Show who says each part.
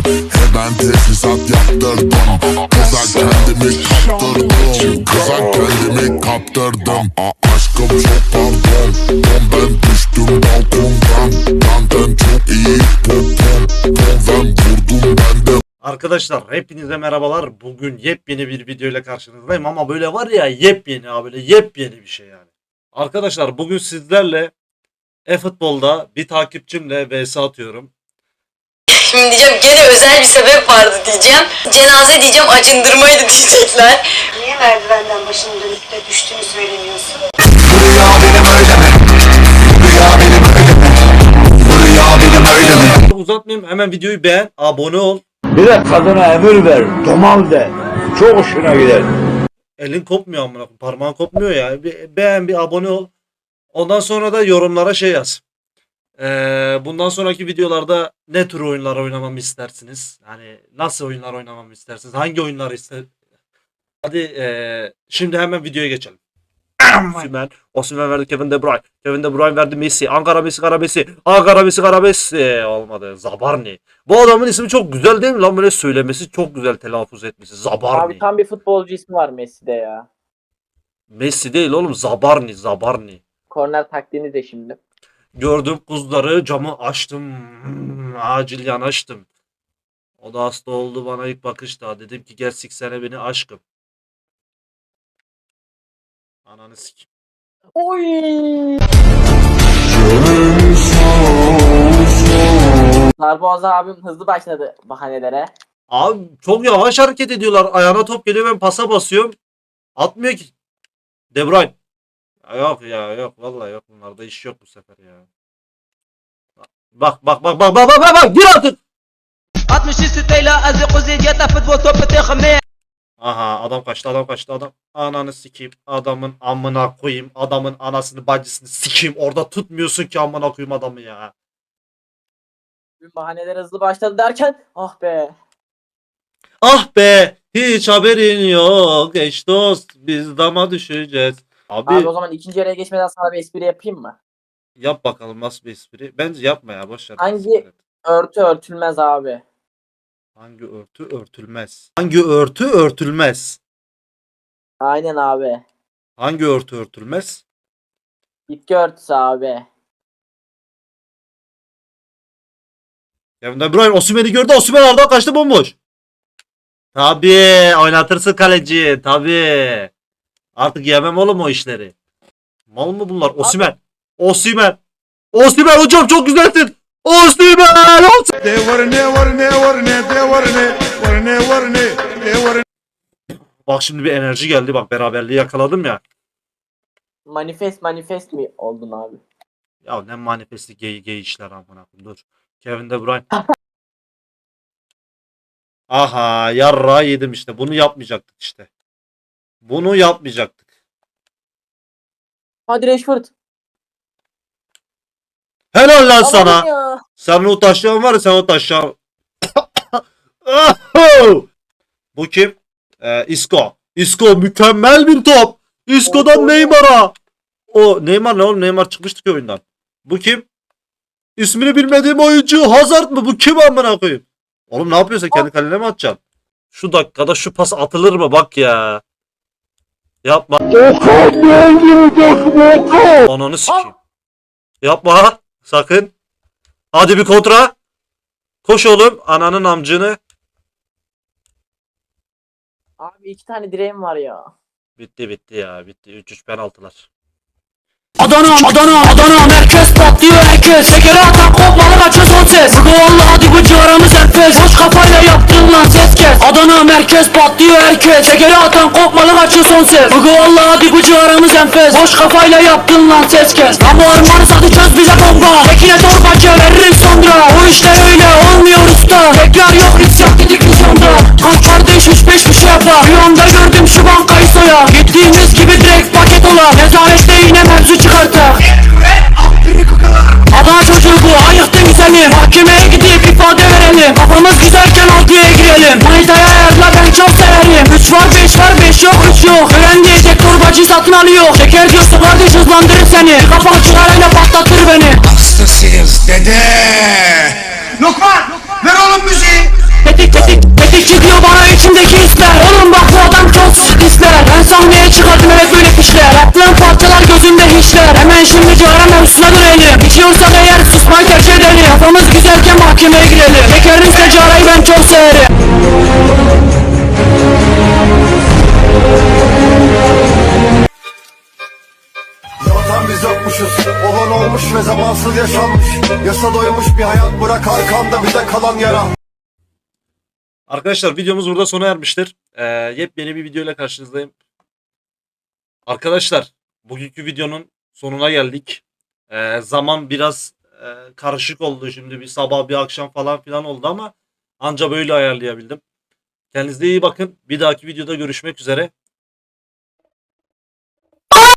Speaker 1: Hemen tesisat yaptırdım. Kıza kendimi kaptırdım. Kıza kendimi kaptırdım. Aşkım çok pardon. Ben düştüm balkondan. Benden çok iyi popom. Ben vurdum ben de.
Speaker 2: Arkadaşlar hepinize merhabalar. Bugün yepyeni bir video ile karşınızdayım ama böyle var ya yepyeni böyle yepyeni bir şey yani. Arkadaşlar bugün sizlerle e-futbolda bir takipçimle vs atıyorum.
Speaker 3: Şimdi diyeceğim gene özel bir sebep vardı diyeceğim. Cenaze diyeceğim, acındırmaydı diyecekler.
Speaker 4: Niye merdivenden başını dönüp de düştüğünü söylemiyorsun?
Speaker 2: Uzatmayayım, hemen videoyu beğen, abone ol.
Speaker 5: Bir de kadına emir ver, domal de. Çok hoşuna gider.
Speaker 2: Elin kopmuyor amına koyayım, parmağın kopmuyor ya. Bir beğen, bir abone ol. Ondan sonra da yorumlara şey yaz. Bundan sonraki videolarda ne tür oyunlar oynamamı istersiniz? Hani nasıl oyunlar oynamamı istersiniz? Hangi oyunları ister? Hadi şimdi hemen videoya geçelim. Osimhen verdi Kevin De Bruyne. Kevin De Bruyne verdi Messi. Ankara Messi, Kara Messi. Ankara Messi, Kara Messi. Olmadı. Zabarni. Bu adamın ismi çok güzel değil mi lan? Böyle söylemesi çok güzel, telaffuz etmesi. Zabarni.
Speaker 6: Abi tam bir futbolcu ismi var Messi'de ya.
Speaker 2: Messi değil oğlum. Zabarni. Zabarni.
Speaker 6: Korner taktiğini de şimdi.
Speaker 2: Gördüm kuzları, camı açtım. Acil yanaştım. O da hasta oldu bana ilk bakışta. Dedim ki gel siksene beni aşkım. Ananı sik.
Speaker 6: Oy! Darboğaz'a abim hızlı başladı bahanelere.
Speaker 2: Abi çok yavaş hareket ediyorlar. Ayağına top geliyor, ben pasa basıyorum. Atmıyor ki. De Bruyne. Ya yok ya, yok vallahi yok, bunlarda iş yok bu sefer ya. Bak gir artık.
Speaker 7: 60 ستيلا ازق وزيد futbol topu تخمي.
Speaker 2: Aha, adam kaçtı adam. Ananı sikeyim. Adamın amına koyayım. Adamın anasını bacısını sikeyim. Orada tutmuyorsun ki amına koyayım adamı ya.
Speaker 6: Bahaneler hızlı başladı derken ah be.
Speaker 2: Ah be, hiç haberin yok. Eş dost, biz dama düşeceğiz. Abi
Speaker 6: Abi o zaman ikinci yere geçmeden sana bir espri yapayım mı?
Speaker 2: yap bakalım nasıl bir espri. Bence yapma ya, boş ver.
Speaker 6: Hangi örtü örtülmez abi?
Speaker 2: Hangi örtü örtülmez? Hangi örtü örtülmez?
Speaker 6: Aynen abi.
Speaker 2: Hangi örtü örtülmez?
Speaker 6: Bitki örtüsü abi.
Speaker 2: Kevin De Bruyne Osimhen'i gördü. Osimhen aradan kaçtı, bomboş. Tabii oynatırsın kaleci. Tabii. Artık yemem oğlum o işleri. Mal mı bunlar? Osimhen. Osimhen hocam çok güzelsin. Osimhen. Bak şimdi bir enerji geldi. Bak beraberliği yakaladım ya.
Speaker 6: Manifest mi oldun abi?
Speaker 2: Ya ne manifesti gay işler amına koyayım. Dur. Kevin De Bruyne. Aha, yarra yedim işte. Bunu yapmayacaktık işte. Bunu yapmayacaktık.
Speaker 6: Hadi Rashford.
Speaker 2: Helal lan sana.
Speaker 6: Aman ya.
Speaker 2: Sen o taşlayan var ya, sen o taşlayan. Bu kim? Isco. Isco mükemmel bir top. Isco'dan Neymar'a. O Neymar ne oğlum? Neymar çıkmıştı ki oyundan. Bu kim? İsmini bilmediğim oyuncu. Hazard mı? Bu kim amına koyayım? Oğlum ne yapıyorsun? Kendi kalene mi atacaksın? Şu dakikada şu pas atılır mı? Bak ya. Yapma. Ananı sikeyim. Yapma. Sakın. Hadi bir kontra. Koş oğlum. Ananın amcını.
Speaker 6: Abi iki tane direğim var ya.
Speaker 2: Bitti ya. Bitti. 3-3 penaltılar.
Speaker 8: Adana merkez patlıyor herkes. Şekeri atan kopmalı kaçıyor son ses. Bugü vallahi bu civarımız enfes. Boş kafayla yaptın lan ses kes. Adana merkez patlıyor herkes. Şekeri atan kopmalı kaçıyor son ses. Bugü vallahi bu civarımız enfes. Boş kafayla yaptın lan ses kes. Lan bu armanı satacağız bize bomba. Tekine torbacı veririm sonra. O işler öyle olmuyor usta. Tekrar yok isyan dedik vizyonda. Kaç kardeş 3-5 bir şey yapar. Bir anda gördüm şu bankayı soya. Gittiğimiz gibi direkt paket ola. Nezarette yine mevzu çıkartak. Adana çocuğu bu, ayıktın seni. Mahkemeye gidip ifade verelim. Kafamız güzelken altıya girelim. Manitaya ayarla, ben çok severim. 3 var 5 var 5 yok 3 yok. Öğren diyecek torbacı satın alıyor. Şeker diyorsa kardeş hızlandırır seni. Kafan çıkarayla patlatır beni.
Speaker 9: Hastasıyız dede. Lokman ver oğlum müziği.
Speaker 8: yemeğe girelim. Şekerin secarayı ben çok severim.
Speaker 9: Zaten biz yokmuşuz. Olan olmuş ve zamansız yaşanmış. Yasa doymuş bir hayat, bırak arkanda bize kalan yara.
Speaker 2: Arkadaşlar videomuz burada sona ermiştir. Yepyeni bir videoyla karşınızdayım. Arkadaşlar bugünkü videonun sonuna geldik. Zaman biraz karışık oldu. Şimdi bir sabah bir akşam falan filan oldu ama anca böyle ayarlayabildim. Kendinize iyi bakın. Bir dahaki videoda görüşmek üzere.